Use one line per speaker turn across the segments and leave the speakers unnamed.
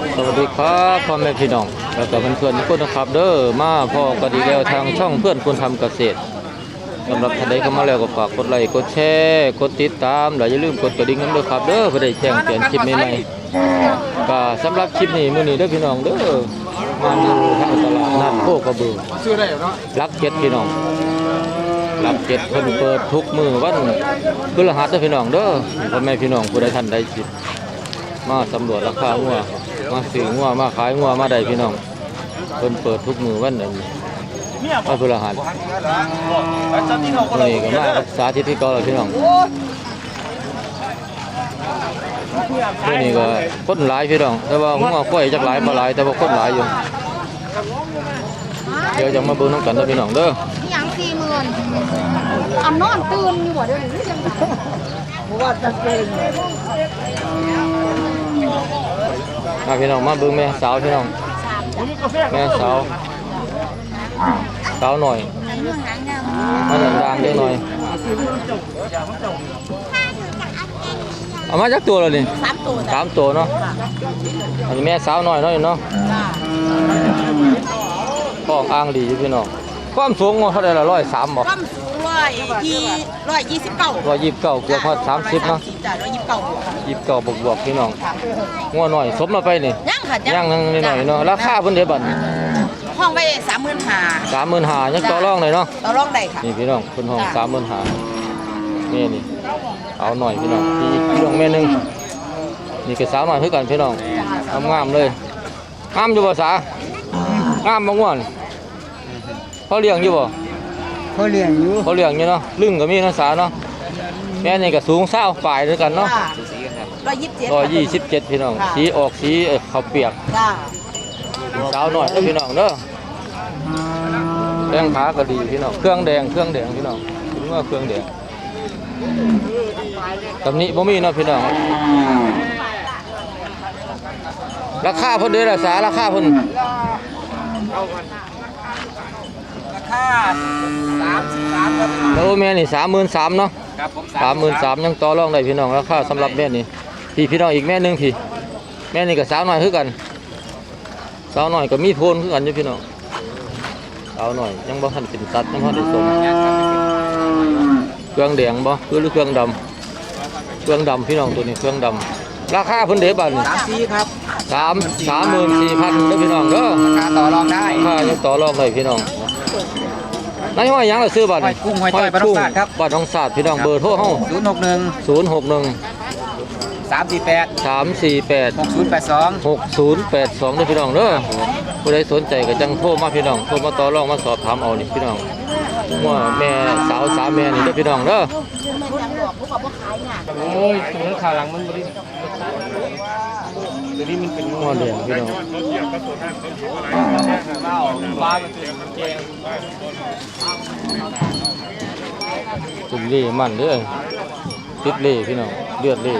สวัสดีครับพ่อแม่พี่น้องแล้วก็เพื่อนๆทุกคนนะครับเด้อมาพ่อก็ดีแล้วทางช่องเพื่อนคนทำเกษตรสำหรับท่านใดเข้ามาแล้วก็ฝากกดไลค์กดแชร์กดติดตามและอย่าลืมกดกระดิ่งกันด้วยครับเด้อเพื่อได้แจ้งเตือนคลิปใหม่ๆก็สำหรับคลิปนี้มื้อนี้เด้อพี่น้องเด้อมาดูทางตลาดนัดโคกระบือรักเจ็ดพี่น้องรักเจ็ดคนเปิดทุกมื้อวันพฤหัสเด้อพี่น้องเด้อพ่อแม่พี่น้องผู้ใดท่านใดสิมาสำรวจราคางัวมาซื้องัวมาขายงัวมาได้พี่น้องเพิ่นเปิดทุกมื้อวันนั้นวันพฤหัสนี่ก็มาสาธิตที่เก่าแล้วพี่น้องนี่ก็คนหลายพี่น้องแต่ว่างัวกล้วยจักหลายบ่หลายแต่ว่าคนหลายอยู่เดี๋ยวจะมาเบิ่งนำกันเด้อพี่น้องเด้อ
หยัง40,000อันนอนตื่นอยู่บ่เดี๋ยวนี้ยังบ่ว่าจะเป็น
มาพี่น้องมาเบิ่งแม่สาวพี่น้องแม่สาวหน่อยมาดังๆเล็กหน่อยเอามาจักตัวแล้วนี่3ตัวเนาะอันนี้แม่สาวหน่อยเนาะเนาะท้องอ้างดีอยู่พี่น้องความสูงเท่าไหร่ละ103บ่
ความสูง129
เกือบฮอด30เนาะ29บวกพี่น้องงัวหน่อยสมมาไปนี่
ยังค่ะ
ยังหน่อยเนาะราคาเพิ่นเด้บัด
ห้องไว้35,000
ยังต่อรองเลยเนาะ
ต่อรองได้ค่ะ
นี่พี่น้องเพิ่นห้อง35,000นี่เอาหน่อยพี่น้องพี่พี่น้องแม่นึงนี่ก็สาวหน่อยคือกันพี่น้องงามเลยงามอยู่บ่สางามบ่ง่วนเขาเลี้ยงอยู่บ่
เขาเลี้ยง
อยู่เนาะลึงก็มีเนาะสาเนาะแม่นี่ก็สูง20ปลายด้วยกันเนาะ127พี่น้องสีออกสีข้าวเปียกสาวหน่อยเด้อพี่น้องเด้อแดงขาก็ดีพี่น้องเครื่องแดงพี่น้องถึงว่าเครื่องแดงตำนี้บ่มีเนาะพี่น้องราคาเพิ่นเด้อล่ะสาราคาเพิ่น
33ครับ
โอ้แม่นี่33,000เนาะ
ครับผม
33,000ยังต่อรองได้พี่น้องราคาสำหรับแม่นี่พี่น้องอีกแม่นึงพี่แม่นี่ก็สาวหน่อยคือกันสาวหน่อยก็มีโทนคือกันอยู่พี่น้องสาวหน่อยยังบ่ทันเป็นตัดยังบ่ได้ส่งเครื่องแดงบ่คือเครื่องดำพี่น้องตัวนี้เครื่องดำราคาเพิ่นเด้บัดนี่
34ครับ
34,000เด้อพี่น้องเด้อ
ราคาต่อรองได้
ราคายังต่อรองได้พี่น้องนายห้อยหยังล่ะซื้อบัดนี่
ห้อยจ้อยบ้านทองศาสตร์ครับ
บ้านทองศาสตร์พี่น้องเบอร์โทรเฮา
061 348 6082
เด้อพี่น้องเด้อผู้ใดสนใจก็จังโทรมาพี่น้องโทรมาต่อรองมาสอบถามเอานี่พี่น้องว่าแม่สาวสามแม่นี่เด้อพี่น้องเด้อ
โอ้ยตัวนั้นขาหลังมันบ่ได้ตัวนี้มันเป็น
งัวเลี้ยงพี่น้องตุ่มเล่มันเด้อติดเล่พี่น้องเลือดเล่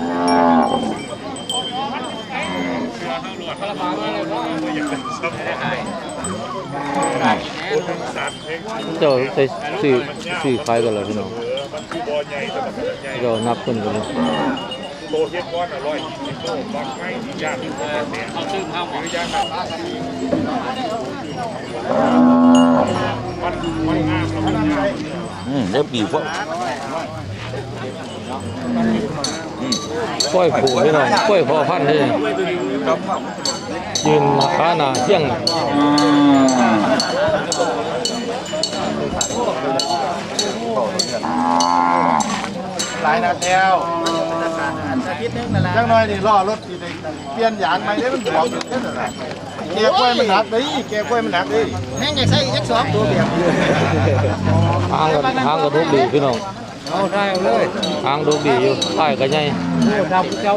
เจ้าใส่สื่อขายกันแล้วพี่น้องเรานับกันเลย
โตเทียบก้อน120 โลบางไม้ที่ยากที่สุดเขาซื้อข้าวหมอยากมันงามแล้วมันงาม
เดี๋ยวปีพวก
กล้วยผูพี่น้องกล้วยพอพันธุ์เลยยืนขาหน้าเที่ยง
หลายนาแถวจังน้อยนี่ล้อรถเปลี่ยนยางใหม่ได้มันบวมอยู่นั่นน่ะแกกล้วยมันหนักดิแม่งจะใส่อีก2ตัวแบบ
หางกระดูกดีพี่น้อง
เอาได้เลย
หางดูดีอยู่ป้ายก็ใหญ่
ดาวเจ้า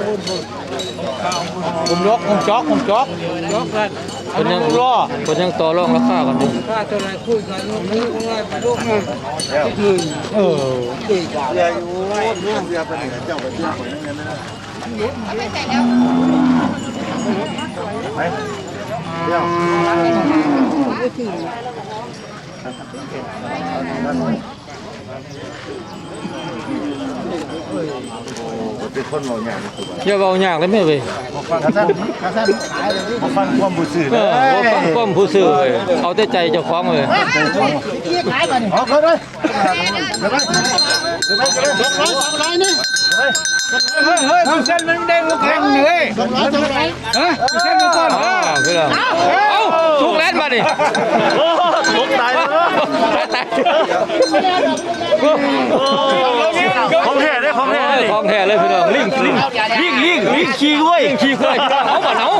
ผมยกกัน
คนยังต่อรองราคากันอยู่
ค่าตัวไหนคุยกันมือของอะไรไปลูกคือดีกว่า
เรียอยู่เรื่องเรียไปไหนเจ้าไปเที่ยวคนนั้นนะ
ไม่ใส่แล้ว
ไปเที่ยวเป็นคนเราอย่าง
อย่าเบายากเลยแม่เว้ย
กระสั้นขายเลยมาฟังความบุษือ
เออบ่ฟังความผู้ซื้อเว้ยเอาแต่ใจเจ้าของเว้ย
เอาเขาเลยเดี๋ยวไป200นี่
เฮ้ยเส้นมันเด้งลูกแข็งเลยเฮ้ยเส้นมันก่อน
คือแล้วเอ้าสุกแล้วมาดิ
ตกตายแล้ว
ตาย
ของแท้ได้ของแท้
ของแท้เลยพี่น้องลิงขี้ด้วยขี้ด้วยเอาบ่เอา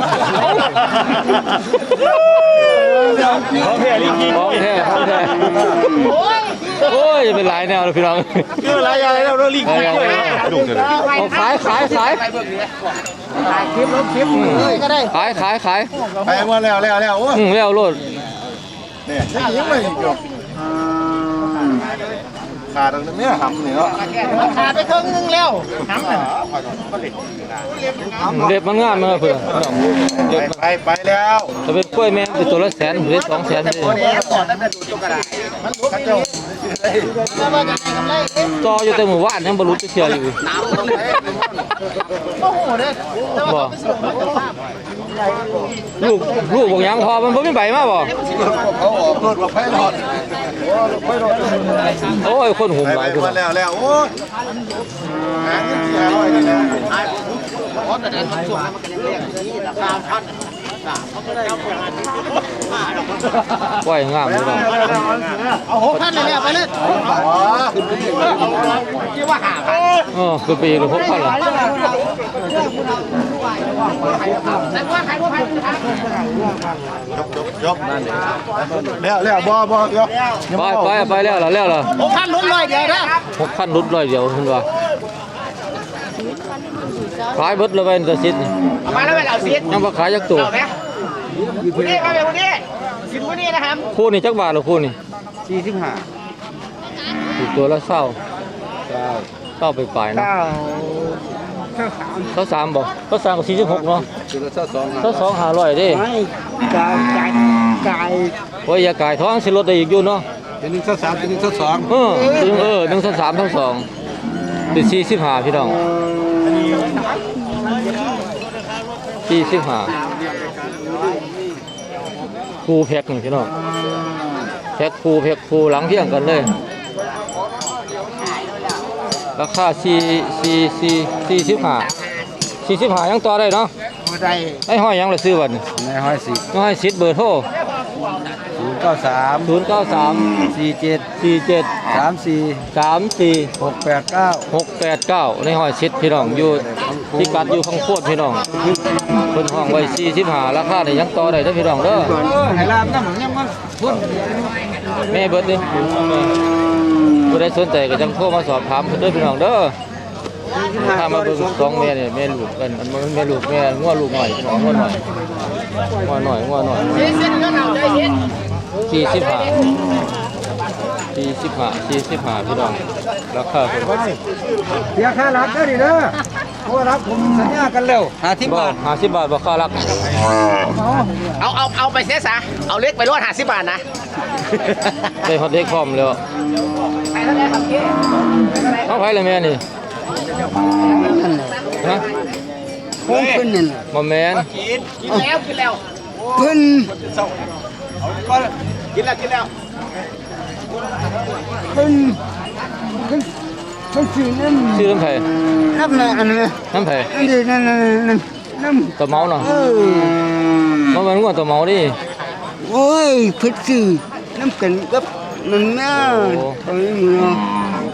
ของแท้ลิงขี้ของแท้โอ้ยเป็นหลายแนวเลยพี่น้อง
คืออะไรอะไรแล้วเราลิงขี้ด้วยดูเถอะ
เอาขายคลิปลบคลิปก็ได้ขาย
ไปมาแล้วโอ้
แล้วโลด
เนี่ยยังไม่จบขาดตรงนี้หำนี่เนาะ
ขาดไปครึ่งนึงแล้วหำน่ะ
เด็บมันงามเลยเพื่อนเด็บ
ไปแล้ว
จะเป็นกล้วยแม่เป็นตัวละแสนหรือ200,000เลยต่ออยู่แต่หมู่บ้านยังบรรลุจะเชื่ออยู่
โอ้โหเด้อ
บ่ลูกบอกยังพอมันไม่ใบมาบ่
เขาออกรถไฟรอด
โอ้ยคนหุ่มหลายคน
มาแล้วโอ้หาเงินที่500นี่นะ
กล้วยงามเลยน้อง
เอา6,000เลยไปเลย
คือปีละ6,000ล่ะ
ยกนั่นแล้วบ่ยก
ไปแล้วล่ะแล้วล่ะ
6,000ลุ้น100เดียวเด้อ
6,000รุด100เดียวคุณว่าขายเบิดเลยไปตัวซิด
เอามาแล้วไปเอาซีด
ยังบ่ขายจักตัว
เอาไหมผู้นี้มาเป็นผู้นี้สินผู้นี้นะครับ
คู่นี่จักบาทหรอคู่นี่
45
ถูกตัวละเศร้าไปปลายนะเขา3บ่เขา3ก็46เนาะ
จุลซ่า2
เขา2 500เด้
ไม่กาย
โอ้ยอย่ากายท้องสิลดได้อีกอยู่เนาะ
เป็น1ซ่า3เป็น1ซ่า2
1 3ทั้ง2เป็น45พี่น้อง45คู่แพ็คนี่พี่น้องแพ็คคู่หลังเที่ยงกันเลยราคา45ยังต่อได้เนาะ
ได้
ไอ้ห้อยยังละซื้อบัดนี้
ในห้อยสิ
น้อยสิทธิ์เบอร์โทร
093
093
47
34
34 689
689ในห้อยสิทธิ์พี่น้องอยู่ที่กัดอยู่ข้างโคตรพี่น้องเพิ่นห้องไว้45ราคานี่ยังต่อได้เด้อพี่น้องเด้อ
ให้ลามน้ำยังมันพุ่น
แม่เบิดดิผู้ใดสนใจก็จังโทรมาสอบถามเพิ่นเด้อพี่น้องเด้อถ้ามาเบิ่ง2แม่นี่แม่ลูกกันมันแม่ลูกแม่งัวลูกหน่อยพี่น้องงัวหน่อย
ซีดก็เอาได้ซีด
45พี่น้องราคาเพิ่น
เสียค่ารับได้ดิเด้อเพราะว่ารับผมสัญญากันแล้ว50
บ่
บาท
50 บาทบ่ค่ารัก
เอาไปเสียซะเอาเล็กไปรวด50 บาทนะ
ได้ฮอตเด็กพร้อมแล้ว
ไปแล้วได้ครับพี่
เอาไผเลยแม่นี่ฮะ
ผมขึ้นนั่น
บ่แม่น
กินแล้ว
เพิ่น
กินแล้ว
เพิ่นสินั่น
ชื่อน้ำไผ
รับนะอันนี้
น้ำไผ
อันนี้นั่น
ตัวเมาเนาะ บ่แม่นงัวตัวเมาดิ
โอ้ยเพิ่นสิน้ำกันกับนั่นน่ะตรงนี้เนาะ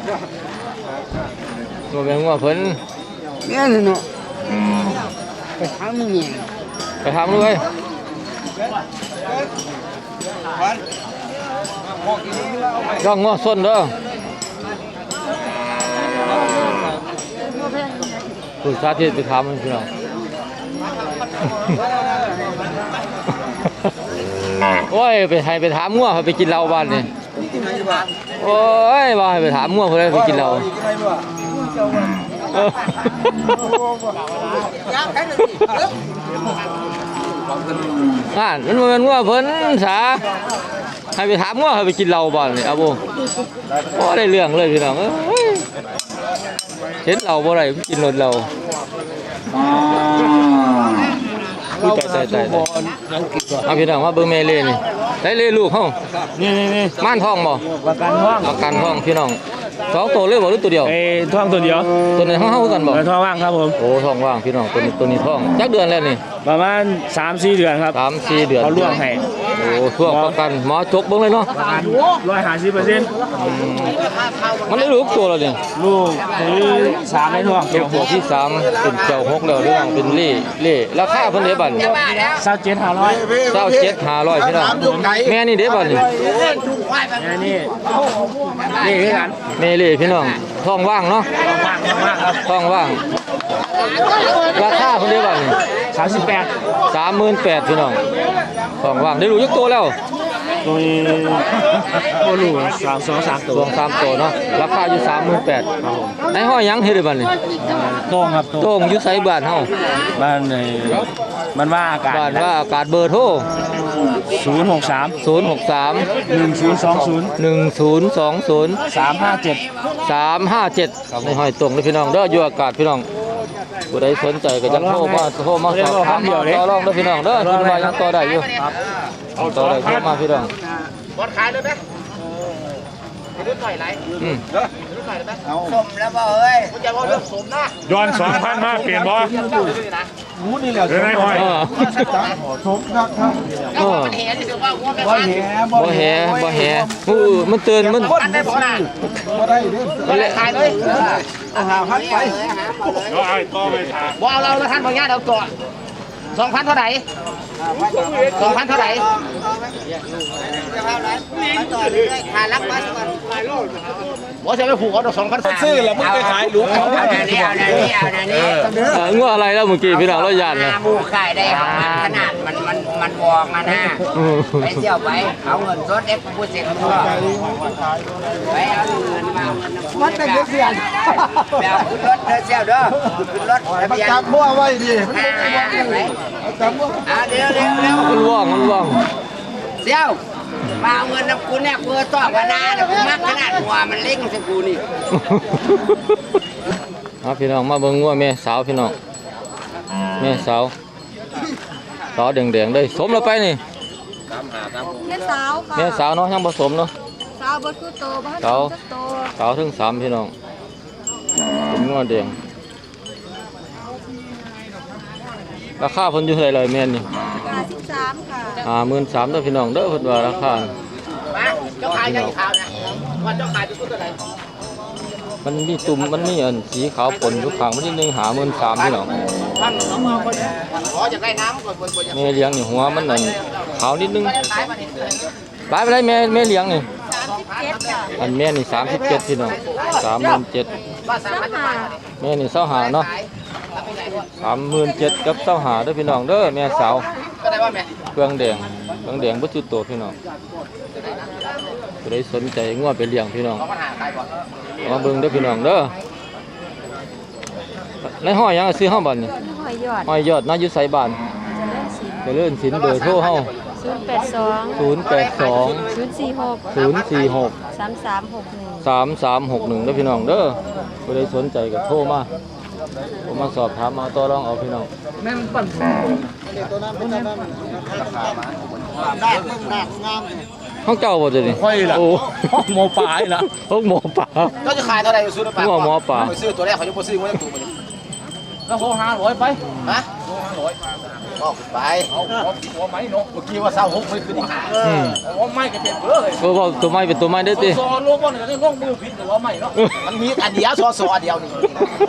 บ่แม่นงัวเพิ่น
เนี่ยเนาะไปทำเนี่ย
ไปถามดูเว้ยย่องงัวส้นเด้อผู้สาธิตไปถามมันพี่น้อง โอ้ยไปถามงัวไปกินเหล้าบ้านนี่โอ้ยว่าให้ไปถามงัวเพิ่นไปกินเหล้ามันบ่แม่นงัวเพิ่นสาให้ไปถามงัวให้ไปกินเหล้าบ้านนี่เอาบ่ได้เรื่องเลยพี่น้องเอ้ยเห็นเราบ่ได้กินรถเราอุ้ยตายเอาพี่น้องมาเบิ่งแม่เล่นี่ได้เล่ลูกเฮา
นี่
ม่านทองบ่
ประกันท้อง
ประกันทองพี่น้องสองตัวเลยบ่หรือตัวเดียว
ท้องตัวเดียว
ตัวไหนเฮากันบ่
ท้องว่างครับผม
โอ้ท้องว่างพี่น้องตัวนี้ท้องจักเดือนแล้วนี่
ประมาณ 3-4 เดือนครับ
3-4 เดือน
เขาล่วงให้
โอ้ช่วงประกันหมอจกเบิ่งเลยเนาะ
150%
มันได้ลูกตัวแล้วนี่
ลูกที่3ในท้อง
เป็นตัวที่3เป็นเจ้า6แล้วเรื่องเป็นเล่ราคาเพิ่นเด้บัด
27,500
27,500พี่น้องแม่นี่เด้บัดนี่
นี่คือกัน
แม่เล่พี่น้องท้องว่างเนาะ
ว่างครับ
ท้องว่างราคาเพิ่นเด้บัดนี่
38
38,000พี่น้องท้องว่างได้ลูกยักตัวแล้ว
ตัวนี้โอ้ลูก3 ตัว
รวม3ตัวเนาะราคาอยู่ 38,000ครับผมในห้อยหยังเฮ็ดได้บัดนี่
โต้งครับ
โต้งอยู่ไสบ้านเฮา
บ้านในมันว่าอากาศ
บ้านว่าอากาศเบอร์โทร
063
063
1020
1020
357
357ในห้อยตรงเลยพี่น้องเด้ออยู่อากาศพี่น้องผู้ใดสนใจก็จังโทรมาสอบถามมาต่อรองเด้อพี่น้องเด้อคุณว่ายังต่อได้อยู่ต่อได้โทรมาพี่น้อง
บอลขายเลยไหมรุ่นหน่อยไร
อืม
สมแล้วบ่เอ้ย
คุณจะว่าเรื่องสมนะ
ย้อน 2,000 มาเปลี่ยนบ่
หูนี่แหละ
เดี๋ยวนายห้อย
สมครับครับ
เออ
เห็นถือว่าว่า
บ่แห
บ่แหมันเตือนมัน
อันได้พอนะ
บ่ได้เด้อ
มันแหละ
ขายเลย
เอาหาพันไป
เดี๋ยวไอ้ต่อไปถาม
ว่าเราแล้วท่านบางอย่างเราตัว2,000เท่าไหร่2,000เท่าไหร่ว่าจะไปผูกเอา2,000ซื้อแล้วมึงไปขายหลูกเขา
เอาเดี๋ยวนี้
งัวอะไรแล้วเมื่อกี้พี่น้องเราย่านนะ
หมูขายได้ของมันขนาดมันวองนะ ไปเที่ยวไปเอาเงินสดเอ็กซ์พูดเสร็จทั่วไปเอาเงินมาวัดได้เสียนแบบขึ้นรถเดินเที่ยวเด้อขึ้นรถทะเบียน
จับมั่วไว้ดิ
ไหน
จับมั่ว
เดี๋ยว
มันว่อง
เที่ยวมาเอาเงินน้ำกูเนี่ยกูต่อกันนาเนี่ยกูมักขนาดหัวมันเล็กสักกูนี่
เอาพี่น้องมาเบิ่งงัวแม่สาวพี่น้องแม่สาวแดงๆเลยสมแล้วไปนี่
แม่สาวค่ะ
แม่สาวเนาะยังผสมเนาะ
สาวบ่คือโตบ่ให้
สาว
โต
สาวถึง3พี่น้องเป็นงัวแดงราคาเพิ่นอยู่เท่าไหร่เลยแม่นี่
53ค่ะ
53,000เด้อพี่น้องเด้อเพิ่นว่าราคา
เจ้าขายยังขาวนะว่าเจ้าขายเป็นตัวไหน
มันมีตุ่มมันมีอันสีขาวปนอยู่ข้างมันนิดนึง53,000พี่น้อง
ท่านเอามาคนขอจะได้น้ำก่อนคนจะ
แม่เลี้ยงนี่หัวมันนั่นขาวนิดนึง
ขายมาเนี่ย
หลายไปได้แม่เลี้ยงนี่
37ค่ะ
อันแม่นี่37พี่น้อง37,000
ว่าสามารถจะไป
แม่นี่25,000เนาะ37,000กับ25,000เด้อพี่น้องเด้อแม่สาว
ก็ได้ว่าแม่
เครื่องแดงบ่จุดโตพี่น้องผู้ใดสนใจงัวไปเลี้ยงพี่น้อง
ปัญหาขายก่อน
เอามาเบิ่งเด้อพี่น้องเด้อในห้อยหยังซื้อเฮาบัดนี่
หอยยอด
ห้อยยอดนาอยู่ไสบ้านเจริญศิลป์เบอร์โทรเฮา
082
082
046
046
3361
3361เด้อพี่น้องเด้อผู้ใดสนใจก็โทรมาสอบถามมาต่อรองเอาพี่น้อง
ได้มึงได้งาม
ห้องเจ้าบ่จะนี่
ค่อยล่ะ
โอ้
หมอปลายล่ะ
ห้องหมอป่า
ก็จะขายเท่าไหร่ซื้อปลา
หัวหมอป่า
ซื้อตัวแรกเขาจะไปซื้อไว้ตัวมัน
แล้วเขา500ไป
ฮะก็ไปเอาหัวไหมเนาะเมื่อกี้ว่า26ไม่ขึ้นอีก
อืม
หัวไม้ก็เป็นเบ้อเลย
เออว่าตัวไม้เป็นตัวไม้ได้ติ
ซอโลบ่นี่ก็ลงมือผิดหรือว่าไม่เนาะ
มันมีอันเดียวซอเดียวนี่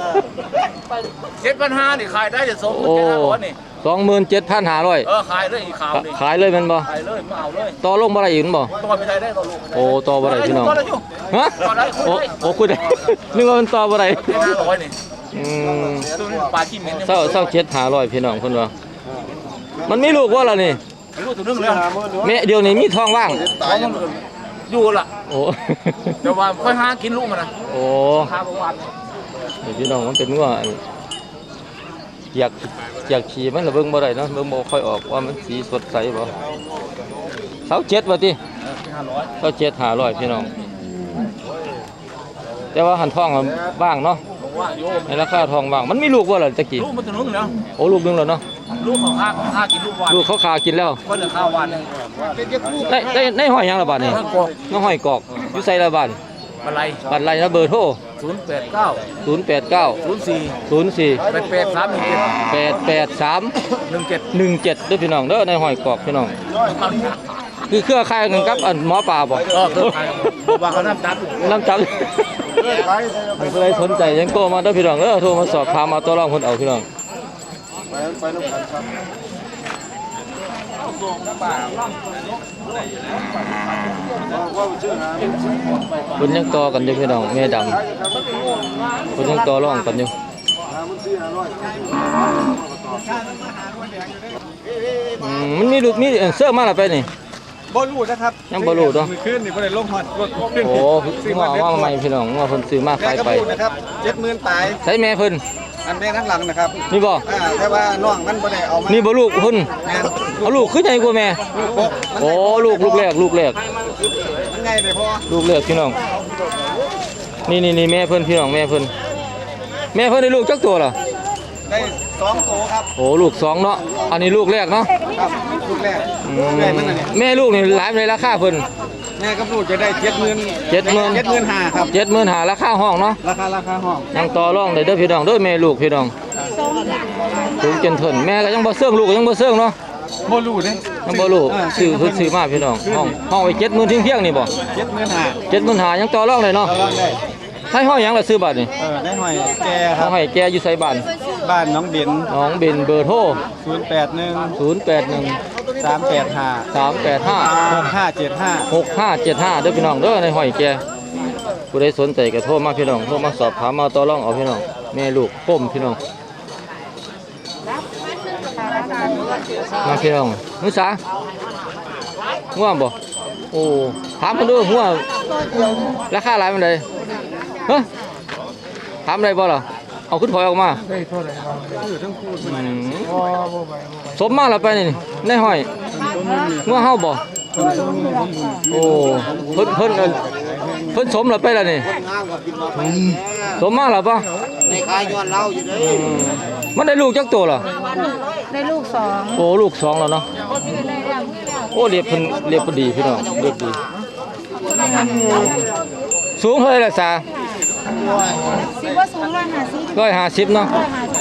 7,500นี่ขายได้จะสม
โอ้
7,500นี่
27,500
ขายเลยอีกข่าวนี่
ขายเลยแม่นบ่
ขายเลยมาเอาเลย
ต่อลงบ่ได้อีกแม่นบ่
ต่อไปได้ต่อลูก
โอ้ต่อบ่ได้พี่น้อง
ต่อได้อยู่
ฮะ
ต่อได้คุย
โอ้
ได้
โอ้คุยได้ นึกว่ามันต่อบ่ได้
500นี่
อืม
ตัวนี้ปลาขี้เหม็น
27,500พี่น้องเพิ่นว่ามันมีลูกบ่ล่ะนี่
รู้ตัวนึงแล้ว
แม่เดี๋ยวนี้มีท้องว่าง
อยู่ล่ะ
โอ้
เดี๋ยวว่าค่อยหากินลูกมันนะ
โอ้
หาประวัน
นี่พี่น้องมันเป็นงัวอยากขี่มันละเบิ่งบ่ได้เนาะเบิ่งบ่ค่อยออกว่ามันสีสดใสบ่27ว่าติ27,500พี่น้องแต่ว่าหันท้องว่างเนาะ
ว
ในราคาทองว่างมันมีลูกว่าล่ะตะกี้
ลูกมันตัวนึงแล้ว
โอ้ลูกนึงแล้วเนาะ
ลูกของข้ากินลูกวัน
ลูกเขาขากินแล้ว
ก็เหลือข้าววัน
ได้ห้อยหยังละบาทนี่น้องห้อยกอกอยู่ไสละบาท
อะไร
บัตรไรนะเบอร์โทร
089
089
04
04
883
88317ด้วยพี่น้องเด้อในห้อยกอกพี่น้องคือเครือข่ายกันกับอันหมอปลาบ่
ก็คือใครว่าเขาน้ำจับ
น้ำจับใครสนใจยังโทรมาเด้อพี่น้องเด้อโทรมาสอบถามมาตัวรองคนเอาพี่น้องคุณยังต่อกันอยู่พี่น้องแม่ดำคุณยังต่อรองกันอยู่มันมีลูกมีเสื้อมาแล้วไปนี่
บอลูนะครับ
ยังบ่รู้เนาะ
มือขึ้นนี่บ่ได้ลงฮอดรถขึ้น
โอ้ว่าใหม่พี่น้องว่าเพิ่นซื้อมาขายไป
นะครับ70,000ปลาย
ใส่แม่เพิ่น
อันแม่ทั้งหลังนะครับ
นี่บ่
แต่ว่าน้องมันบ่ได้เอามา
นี่บ่ลูกเพิ่น
แม่น
เอาลูกคือใหญ่กว่าแม่
ลูก
โอ้ลูกแรก
มันไงเลยพ่อ
ลูกแรกพี่น้องนี่แม่เพิ่นพี่น้องแม่เพิ่นได้ลูกจักตัวเหรอ
ได้2โตครับ
โอ้ลูก2เนาะอันนี้ลูกแรกเนาะ
ครับลูกแรกลูกแรกมันน่ะเนี่ย
แม่ลูกนี่หลายในราคาเพิ่น
แม่กับลูกจะได้70,000
75,000
ครับ
ราคาห้องเนาะ
ราคาห้อง
ยังต่อรองได้เด้อพี่น้องเด้อแม่ลูกพี่น้องสูงจนเถินแม่ก็ยังบ่เสื่องลูกก็ยังบ่เสื่องเนาะ
บ่รู้เด้
ยังบ่รู้ซื้อเพิ่นซื้อมาพี่น้องห้องไว้70,000เพียงๆนี่บ่
75,000
75,000ยังต่อรองได้เนาะ
เอาลองได้
ให้ห้อยหยังล่ะซื้อบัตรนี่
ได้หอยแก่ค
ห้
รับ
อยแกอยู่ไสบ้าน
บ้านน้องเด่น
น้องเบนเบอร์โทร
081
081
385
385
6575
6575เด้อพี่น้องเด้อในห้อยแกผู้ใดสนใจก็โทรมาพี่น้องโทรมาสอบถามมาต่อรองเอาพี่น้องแม่ลูกป้มพี่น้องมาพี่น้องนุสาง่วงบ่โอ้ถามกันดูง่วงราคาหลายมันเลยเฮ้ยถามอะไรบ่ล่ะเอาขึ้นถอยออกมาสมมาแล้วไปนี่ในห้อยง่วงเฮาบ่โอ้เพิ่นสมแล้วไปแล้วนี่สมมาแล้วป่ะ
ในขายย้อนเราอยู่เด้อ
มันได้ลูกจักตัวเหรอ
ได้ลูก2
โอ้ลูก2แล้วเนาะโอ้เรียบเพิ่นดีพี่น้องเรียบดีสูงเท่าไหร่ล่ะซา
สิว่าสูง150
150เนาะ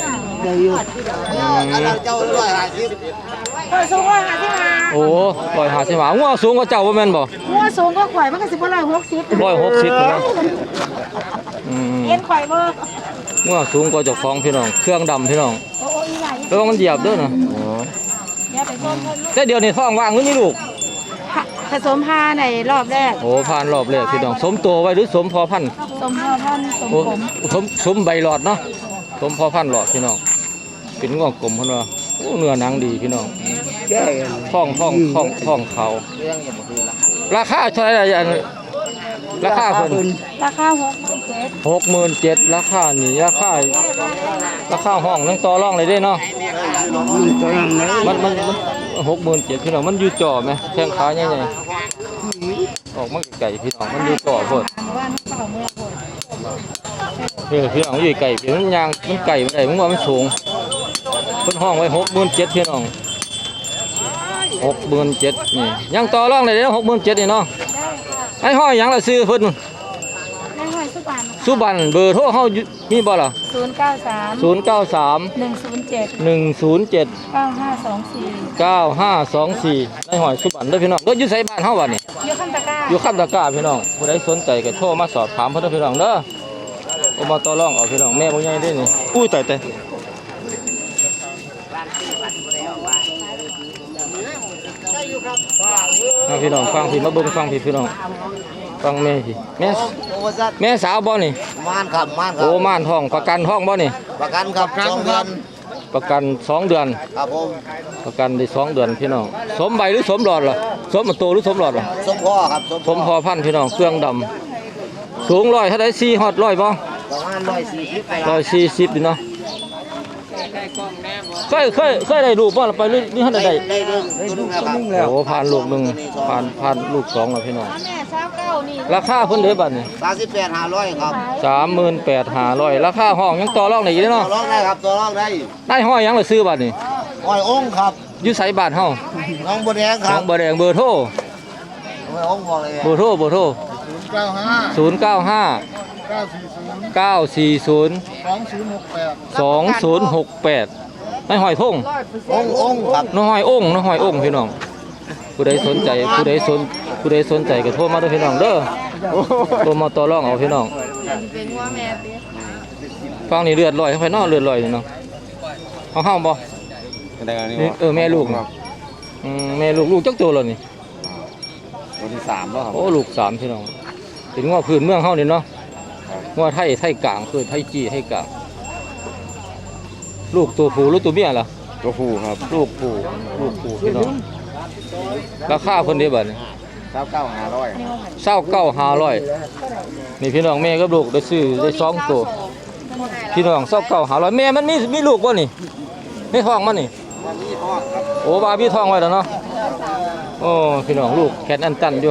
เราเจ้า150
ก็สูง155
โอ้150หางัวสูงกว่าเจ้าบ่แม่นบ่
หัวสูงก็ข่อยมันก็สิบ่160
160เนาะ
เอ็นข่อยบ่
งัวสูงกว่าเจ้าของพี่น้องเครื่องดำพี่น้อง
โอ้อีหลาย
ระวังมันเหยียบเด้อนะ
เดี๋ยวไปส้มเพิ่นลูก
แต่เดี๋ยวนี้ท้องว่างหรือมีลูก
ผสมพาในรอบแรก
โอ้ผ่านรอบแรกพี่น้องสมโตไว้หรือสมพอพันธุ์
สมพ่อท่านสม
โอ้
ผม
สมใบหลอดเนาะสมพอพันธุ์หลอดพี่น้องเป็นงอกกลมเพิ่นว่าโอ้เนื้อหนังดีพี่น้องท้องเขาราคาเท่าไหร่อันราคาเพิ่น
ราคา
67,000ราคานี่ราคาห้องนั่งต่อรองเลยเด้เนาะมัน67,000พี่น้องมันอยู่จ่อไหมแข้งขาใหญ่ๆออกมาไก่พี่น้องมันอยู่จ่อโพด
บ้านเก่าเมืองโหด
พี่น้องอยู่ไก่พี่มันยางมันไก่มันได้มันว่ามันสูงเพิ่นห้องไว้67,000พี่น้อง67,000นี่ยังต่อรองได้เด้67,000นี่เนาะไอ้ห้อยหยังล่ะซื้อเพิ่น
ในห้อยสุพรรณ
สุบันเบอร์โทรเฮามีบ่ล่ะ
093
093
107
107
9524
9524ในหอยสุบันเด้อพี่น้องเด้ออยู่ไสบ้านเฮาบัดนี่
อยู่ข้างตะกร้า
อยู่คำตะกร้าพี่น้องผู้ใดสนใจก็โทรมาสอบถามเพิ่นเด้อพี่น้องเด้อเอามาต่อรองเอาพี่น้องแม่บ่ใหญ่เด้นี่อุ้ยตายมาพี่น้องฟังพี่มาเบิ่งฟังพี่น้องฟังแม่พี่แม่สาวบ่นี่
ม่านครับม่านครั
โอ้ม่านท้องประกันท้องบ่นี่
ประกันครับ2 เดือน
ประกัน2 เดือน
ครับผม
ประกันได้2 เดือนพี่น้องสมใบหรือสมหลอดล่ะสมโตหรือสมหลอดล่ะ
สมพ่อครับ
สมพอพันธุ์พี่น้องเครื่องดำสูง100เท่าใด4ฮอด100บ่
ประมาณ140ไป
140ดิเนาะเคยได้ลูกบ่ล่ะไปนี่ท่านได้
ได้เรื่องตัวนึงแล้วครับ
โอ้ผ่านลูกหนึงผ่านลูกสองแล้วพี่น้อง
แม่เช้าเก้านี่
ราคาเพิ่นเด้อบัดนี้
38,500ครับ
38,500ราคาห้องยังต่อรองได้อยู่เด้อ
ต่อ
เนาะ
รองได้ครับต่อรองได้
ได้ห้อยยังล่ะซื้อบัดนี้
อ้อยองค์ครับ
อยู่ไสบ้านเฮา
น้องบัวแดงค
น้
รั
อบ งบ่แดงเบอร์โทร
อ้อยองค์บอกเลย
เบอร์โทร 095 940 2068ในหอยทง
องค์ครับ
น้อยองค์พี่น้องผู้ใดสนใจก็โทรมาเด้อพี่น้องเด้อโทรมาต่อรองเอาพี่น้อง
เป็นว่าแม่เปี๊ย
ฟังนี่เลือดลอยเข้าไปเนาะเลือดลอยนี่เนาะเอาห้ามบ่นี่แม่ลูกเนาะแม่ลูกจักตัวแล้วนี่
ตัวที่3แล้วครับ
โอ้ลูก3พี่น้องเป็นงัวพื้นเมืองเฮานี่เนาะงัวไทยกลางคือไทยจี้ไทยกลางลูกตัวผู้หรือตัวเมียล่ะ
ตัวผู้ครับ
ลูกผู้พี่น้องราคาเพิ่นได้บัดนี้
29,500
29,500นี่พี่น้องแม่กับลูกได้ซื้อได้2ตัวพี่น้อง29,500แม่มันมีลูกบ่นี่ในท้องมันนี่โอ้บาพี่ท้องไว้แล้วเนาะโอ้พี่น้องลูกแขนอันตันอยู่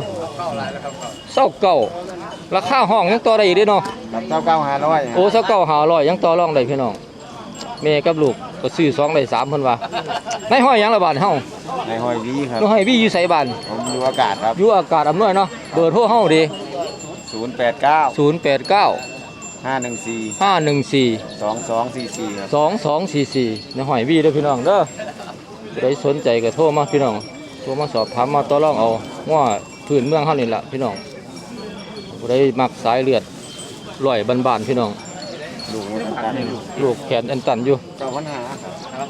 29ราคาห้องยังต่อได้อีกเด้เนาะ
29,500
โอ้29,500ยังต่อรองได้พี่น้องแม่กับลูกก็ซื้อ2ได้3เพิ่นว่าในห้อยหยังละบาทเฮา
ในหอยวีครับ
น้องให้พี่อยู่ไสบ้าน
ผมอยู่อากาศครับ
อยู่อากาศอำนวยเนาะเบอร์โทรเฮาดิ
089
089
514
514
2244ครับ
2244ในหอยวีเด้อพี่น้องเด้อผู้ใดสนใจก็โทรมาพี่น้องโทรมาสอบถามมาต่อรองเอาว่าพื้นเมืองเฮานี่ล่ะพี่น้องผู้ใดมักสายเลือดร้อยบ้านๆพี่น้อง
ลูกมันตัน
ลูกแขนอันตันอยู่
9,500ครับ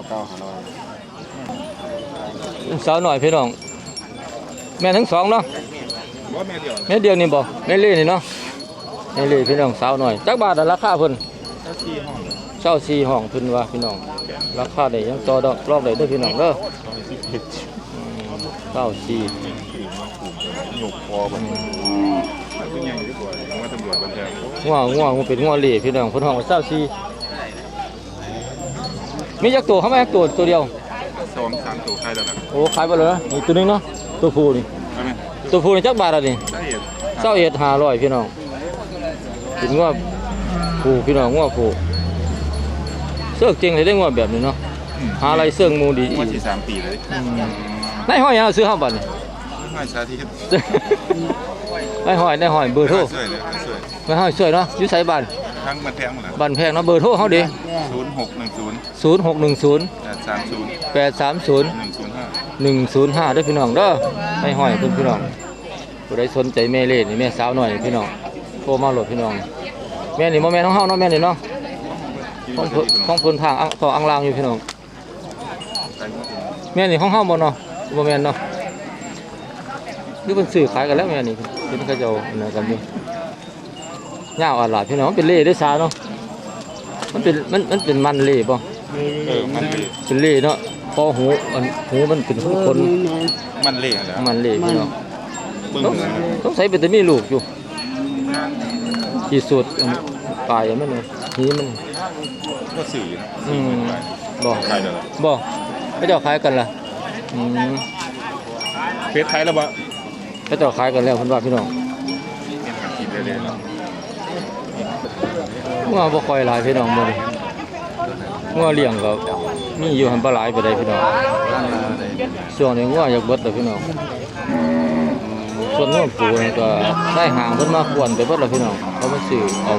9,500
สาวหน่อยพี่น้องแม่ทั้งสองเนาะ
ว่าแม่เดียว
แม่เดียวนี่บ่แม่เล่นี่เนาะแม่เล่พี่น้องสาวหน่อยจักบาทอะราคาเพิ่น
ถ้า4 ห้อง
เช่า4ห้องเพิ่นว่าพี่น้องราคาได้ยังต่อดอกรอบได้เด้อพี่น้องเด้อเช่า4
หยกคอมันเป็นยังอยู่ดีกว่าว่าตำรวจบันเทิง
งัวเป็นงัวเล่พี่น้องเพิ่นห้องเช่า4มีจักตัวเขามาจักตัวเดียว
2-3 ตัวใครแล้วล่ะ
โอ้ขายไปเลยนะนี่ตัวนึงเนาะตัวผู้นี่
ใช่ไหม
ตัวผู้นี่จักบาทอ่ะนี่
ได้เห็น
21,500พี่น้องเป็นงัวผู้พี่น้องงัวผู้เสื้อเก่งเลยได้งัวแบบนี้เนาะหาอะไรเสื้องูดีอี
ว่าก ที่3 ปีเลย
นายห้อยยังซื้อห้าบาทนี่
ไม่ชาที่
นายห้อยเบอร์โทร
ช่วยเลยช่วย
นายห้อยสวยเนาะอยู่ไสบ้าน
ทั้งมันแพงหมดแล้ว
บ้านแพงเนาะเบอร์โทรเฮาดิ
0610
0610
830
830
105
105เด้อพี่น้องเด้อนายห้อยเพิ่นพี่น้องผู้ใดสนใจแม่เล่นี่แม่สาวหน่อยพี่น้องโทรมาโหลดพี่น้องแม่นี่บ่แม่นของเฮาเนาะแม่นี่เนาะของเพิ่นทางต่ออังลางอยู่พี่น้องแม่นี่ของเฮาบ่เนาะบ่แม่นเนาะหรือเพิ่นซื้อขายกันแล้วแม่นี่เพิ่นเขาเจ้าอันนั้นกันอยู่ยาวอาหลาดพี่น้องมันเป็นเล่ด้วยซาเนาะมันเป็นมันเล่ป่ะ
มันเละ
เป็นเล่เนาะพอหูมันเป็นคน
มันเละแล้ว
มันเล่พี่น้อง
เบิ่ง
ต้องใส่เป็นแต่มีลูกอยู่ที่สุดปลายมันเลยหีมัน
ก็สื่อนะ
บ่
ใครเด้อ
บ่เขาเจ้าขายกันล่ะ
เฟซไทยแล้วบ่
เขาเจ้าขายกันแล้วเพิ่นว่าพี่น้อง
กินได้เลยแล้ว
งัวบ่ค่อยหลายพี่น้องมื้อนี้งัวเลี้ยงก็มีอยู่หันบ่หลายปานใดพี่น้องช่วงนี้งัวอยากเบิดแล้วพี่น้องส่วนงัวปูนี่ก็ได้หางเพิ่นมาควรไปเบิดแล้วพี่น้องเขามาซื้อเอา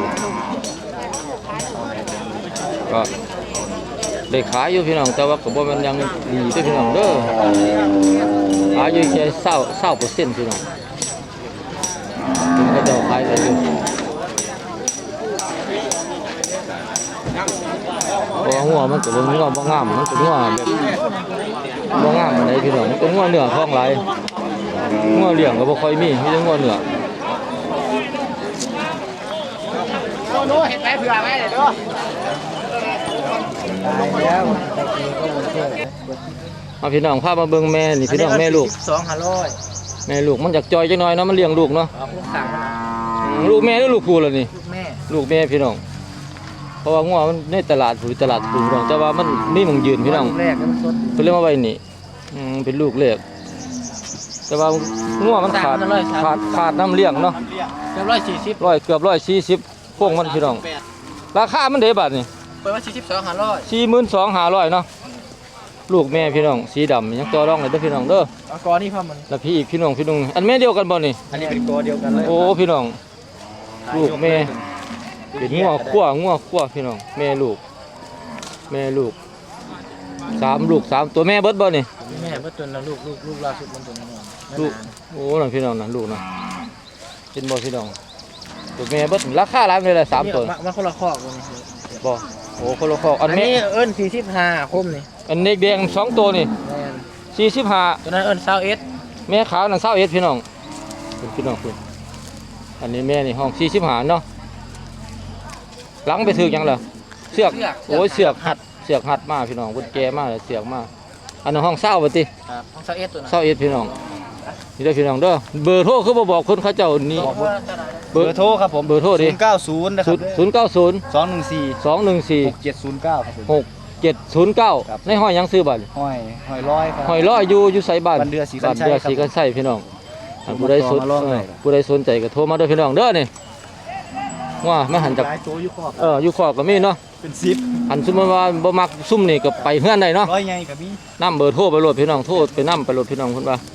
ก็ได้ขายอยู่พี่น้องแต่ว่าก็บ่แม่นยังดีเด้อพี่น้องเด้ออายุแค่20% พี่น้องถึงเขาเจ้าขายได้อยู่เพราะว่าหัวมันก็บ่งัวบ่งามมันก็งัวแบบบ่งามปานใดพี่น้องมันก็งัวเนื้อท้องหลายงัวเลี้ยงก็บ่ค่อยมีแต่งัวเนื้อ
โน้เห็นไหมเผื่อไว้เดี๋ยวดู
เอาพี่น้องพามาเบิ่งแม่นี่พี่น้องแม่ลูก
2,500
แม่ลูกมันอยากจอยจังหน่อยเนาะมันเลี้ยงลูกเนาะ
เอาพวกสั่ง
ลูกแม่หรือลูกผู้ล่ะนี่
แม่
ลูกแม่พี่น้องเพราะว่างัวมันในตลาดหรือตลาดปูพี่น้องแต่ว่ามันมีหม่องยืนพี่น้อง
แรกมันสด
เพิ่นเรียกมาไว้นี่เป็นลูกแรกแต่ว่างัวมันขาดน้ำเลี้ยงเนาะ
เรียบ140
เกือบ140พวกมันพี่น้องราคามันเด้บาทนี่
เปิดว่า42,500
42,500เนาะลูกแม่พี่น้องสีดำยังต่อรองเลยเด้อพี่น้องเด้อ
เอากอนี่พ่อมัน
แล้วพี่อีกพี่น้องอันแม่เดียวกันบ่นี่
อันนี้เป็นกอเดียวกันเลย
โอ้พี่น้องลูกแม่เป็นงัวคั่วพี่น้องแม่ลูกสามลูก3ตัวแม่เบิดบ่นี่
แม่เพิ่นตัวละลูกล่าสุดมันตัวน้อย
ลูกโอ้นั่นพี่น้องนั่นลูกนะเป็นบ่พี่น้องตัวแม่เบิดราคาหลายเลยล่ะ3ตัว
มันคนละคอกเลย
บ่โอ้คนละคอกอัน
อัน
แม่
นี้เอิ้น45คมนี่
อันเด็กแดง2ตัวนี่
แม่น
45
ตัวนั้นเอิ้น21
แม่ขาวนั่น21พี่น้องเป็นพี่น้องคุณอันนี้แม่นี่ห้อง45เนาะหลังไปถึกหยังล่ะเสือกโอ้ยเสือกหัดมาพี่น้องเพิ่นแก่มาแล้วเสือกมาอันนั้นห้อง20บ่ติ
ครับของ21ตัวนั้น
21พี่น้องนี่เด้อพี่น้องเด้อเบอร์โทรคือบ่บอกคนเขาเจ้านี่
เบอร์โทรครับผม
เบอร์โทรดิ
090นะครับ
090
214
214
6709ครับผม
6709ในห้อยหยังซื้อบัด
ห้อยร้อยครับ
ห้อยร้อยอยู่ไสบ้าน
บ้านเดือศรีกันชัย
บ้านเดือศรีกันชัยพี่น้องอันผู้ใดสน
โทรมาลองได้
ผู้ใดสนใจก็โทรมาเด้อพี่น้องเด้อนี่ว่ามาหันจาก
หลายตัวอยู่คอก
อยู่ขอบก็มีเนาะ
เป็น10
อันสมมุติว่าบ่มักซุ่มนี่ก็ไปเฮือนได้เนาะ
ร้อยใหญ่ก็มี
นำเบอร์โทรไปโหลดพี่น้องโทรไปนำไปโหลดพี่น้องเพิ่นว่า